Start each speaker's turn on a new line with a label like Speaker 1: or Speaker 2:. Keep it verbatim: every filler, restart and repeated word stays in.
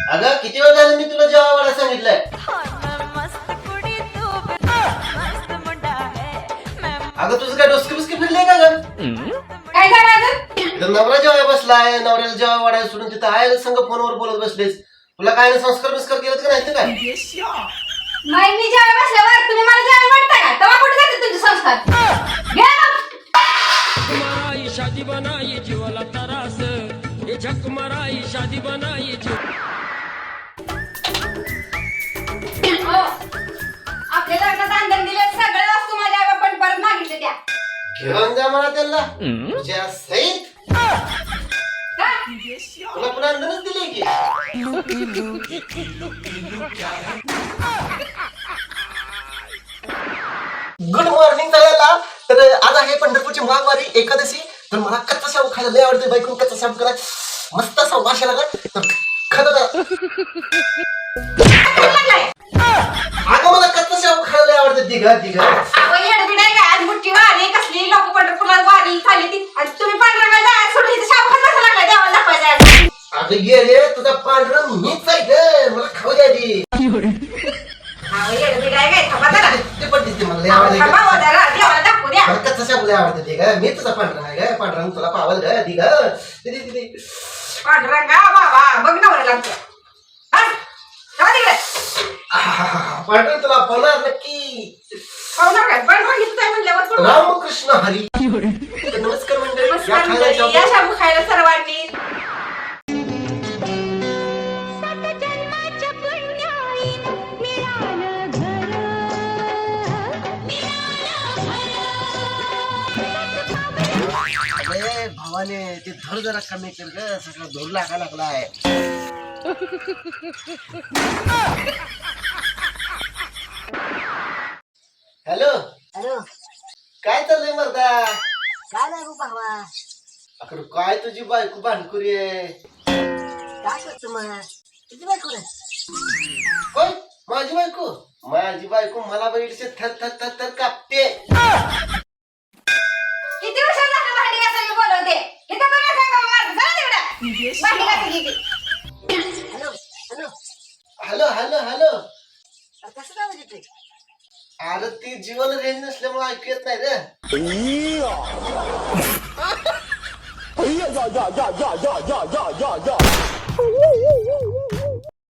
Speaker 1: अगं किती वेळ झालं मी तुला जेव्हा वाढा सांगितलंय. अगं तुझं काय डोसकी बिस्की फिरले का ग?
Speaker 2: काय झालं अजून?
Speaker 1: इथं नवरा जेव्हा बसलाय, नवऱ्याला जेव्हा वाढायला सोडून तिथं आहे संग फोनवर बोलत बसलेस. तुला काय ना संस्कार बिस्कार केलं का नाही? काय
Speaker 2: माई मी जेव्हा बसल्यावर तुम्ही मला जेवण वाटता का? तेव्हा कुठे जाते तुमचे संस्कार? घ्या मग.
Speaker 3: मराई शादी बनाई जीवाला तरास ये झक मराई शादी बनाई जीव
Speaker 2: हो. आपल्या लग्नात अंधन दिले सगळे वस्तू माझ्या आई बापाने परत मागितले त्या.
Speaker 1: घेऊन जा मला त्यांना तुझ्या सहित.
Speaker 2: का?
Speaker 1: तुला पुन्हा अंधनच दिली की. गुड मॉर्निंग सगळ्याला. तर आज आहे पंढरपूरची माघवारी एकादशी. तर मला कच्चा शाबू खायला लय आवडते. बायकून कच्चा शाबू करा मस्त असा वाशा लागला तर खरं अगं मला कच्चा शाबू खायला लय आवडते. दिघ दिघ
Speaker 2: अहो, येडबीड आहे का? आज मोठी वारी कसली लोक पंढरपूरला वारी चालली ती आणि तुम्ही पांढरा जायला सोडली तर शाबू खात बसा लागला देवाला दाखवायचा.
Speaker 1: अगं ये रे तुझा पांढरं मीच आहे ग. मला खाऊ द्या आधी.
Speaker 2: अहो, येडबीड आहे काय? थांबा जरा.
Speaker 1: ते पण दिसते मला लय
Speaker 2: अहो,
Speaker 1: आवडते.
Speaker 2: थांबा हो जरा, देवाला दाखवू द्या.
Speaker 1: मला कच्चा शाबू लय आवडते. ते ग मी तुझा पांढरा आहे ग. पांढरा तुला पावल ग. दिघ दे दे दे.
Speaker 2: पांढरंगा बाबा बघ नवऱ्याला आमच्या. हा? जाऊ तिकडे.
Speaker 1: पांढरा तुला पावणार नक्की.
Speaker 2: खाऊ नका. पांढरं घेतलं आहे म्हणल्यावर कोण?
Speaker 1: रामकृष्ण हरी. तर नमस्कार मंडळी. या
Speaker 2: नमस्कार
Speaker 1: खायला
Speaker 2: मंडळी.
Speaker 1: शाबू.
Speaker 2: या शाबू खायला सर्वांनी.
Speaker 1: अरे भावाने ते धर जरा कमी कर ग. सगळं धूर लागा लागलाय. हॅलो
Speaker 4: हॅलो
Speaker 1: काय चाललंय मर्दा?
Speaker 4: काय नाही गो भावा.
Speaker 1: अकडे काय तुझी बायको भांडकुरी आहे.
Speaker 4: काय करतो मग तुझी बायको रे?
Speaker 1: होय माझी बायको. माझी बायको मला बघितली थर थर थर थर कापते.
Speaker 2: किती उशीर झाला भांडी घासायला बोलवते. इथं बघा काय काम मारते. चला तिकडे. भांडी घासा गेली.
Speaker 4: Hello hello
Speaker 1: hello hello hello.
Speaker 4: अरे कसं काय म्हणजे ते?
Speaker 1: अरे ती जीवन रेंज नसल्यामुळे ऐकू येत नाही रे.
Speaker 5: Yeah, yeah, yeah, yeah, yeah, yeah, yeah, yeah, yeah.